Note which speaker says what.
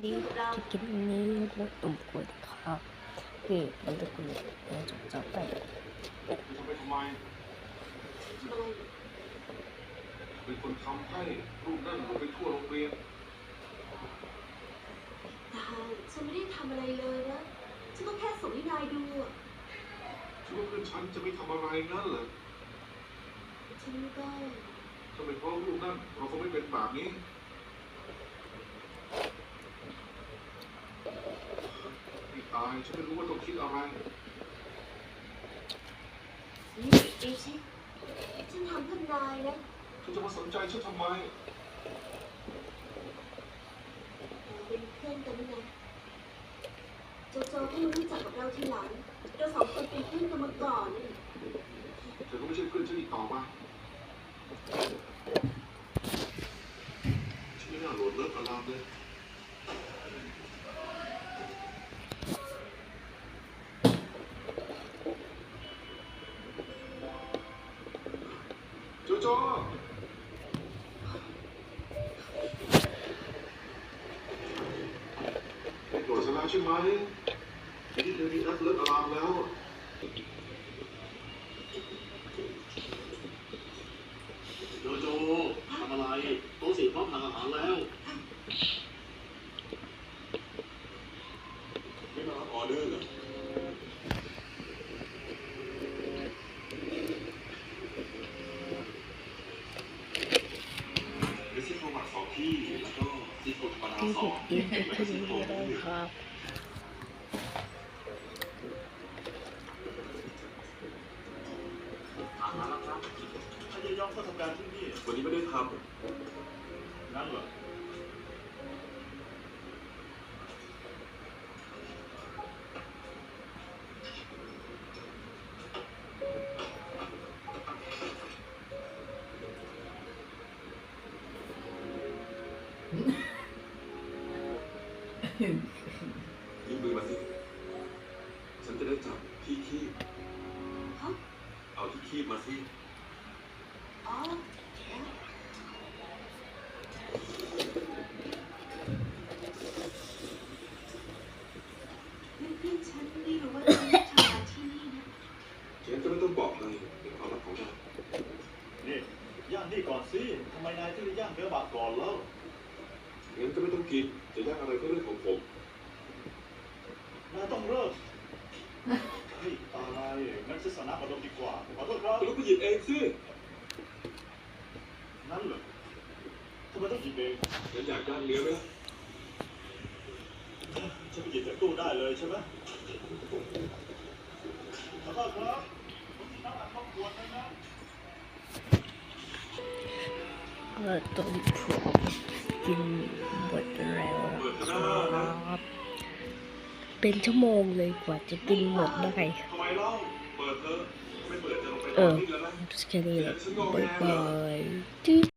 Speaker 1: ที่จะกินนี้รสตุ่มกล้วยครับนี่มันจะกุยจบไป
Speaker 2: เป็นคนทำให้รูปนั่นลงไปทั่วโรงเรียน
Speaker 3: แต่ฉันไม่ได้ทำอะไรเลยนะฉันก็แค่ส่งให้นายดูอ่ะ
Speaker 2: คิดว่าเพื่อนฉันจะไม่ทำอะไรงั้นเหรอ
Speaker 3: ฉันก็
Speaker 2: ถ้าเป็นเพราะรูปนั่นเราคงไม่เป็นแบบนี้ไม่ตายฉันไม่รู้ว่าต้องคิดอะไร
Speaker 3: นี่เอชิฉันทำเพื่อนายนะ
Speaker 2: ฉันจะมาสนใจฉันทำไม
Speaker 3: เป็นเพื่อนกันนะโจโจ้เพิ่งรู้จักกับเราทีหลังเราสองคนเป็นเพื่อนกันมาก่อน
Speaker 2: เธอก็ไม่ใช่เพื่อนฉันอีกต่อไปฉันไม่น่าโหลดเลิกอารามเลยโจโจ้โดดชนะใช่ไหมที่เธอมีนัดเลิกอารามแล้ว
Speaker 4: โจโจทำอะไรโต๊ะสี่พร้อมทานอาหารแล้ว
Speaker 2: ไม่มารับออเดอร์เหรอเมสซี่โครมา2ที่แล้วก็ซีโครธรรมดา2
Speaker 1: ที่นี่เลยครับ
Speaker 4: อาหารแล้วครับถ้าจะย่องเข้าทำการที่นี่
Speaker 2: วันนี้ไม่ได้ท
Speaker 4: นั่นเหรอ
Speaker 2: ำยื่นมือมาสิฉันจะได้จับที่คีบเอาที่คีบมาสิ
Speaker 3: อ๋อเพื่อนฉันไม่รู้ว่าฉันทำงานที่นี่นะ
Speaker 2: ฉันจะไม่ต้องบอกเลยเป็นความลับของเรา
Speaker 4: นี่ย่างนี่ก่อนสิทำไมนายถึงย่างเนื้อบาดก่อนแล้ว
Speaker 2: งั้นก็ไม่ต้องกินจะย่างอะไรก็เรื่องของผม
Speaker 4: นายต้องเริ่มเฮ้ยตายงั้นซื้อสนับมาดมดีกว่าขอโทษครับ
Speaker 2: ก็ไปหยิบเองสิ
Speaker 4: นั่นเหรอทำไมต้องหยิบเอง
Speaker 2: ฉันอยากย่างเนื้อไหม
Speaker 4: ฉันไปหยิบจากตู้ได้เลยใช่ไหมขอโทษครับผมกินน้ำอัดครอบครัวนะ
Speaker 1: ต้มพร้อมกินหมดแล้วครับเป็นชั่วโมงเลยกว่าจะกินหมดได้
Speaker 2: ทำไมเล่าเปิดเธอไม่เปิดจะลงไป
Speaker 1: แค่นี้แหละบ๊ายบาย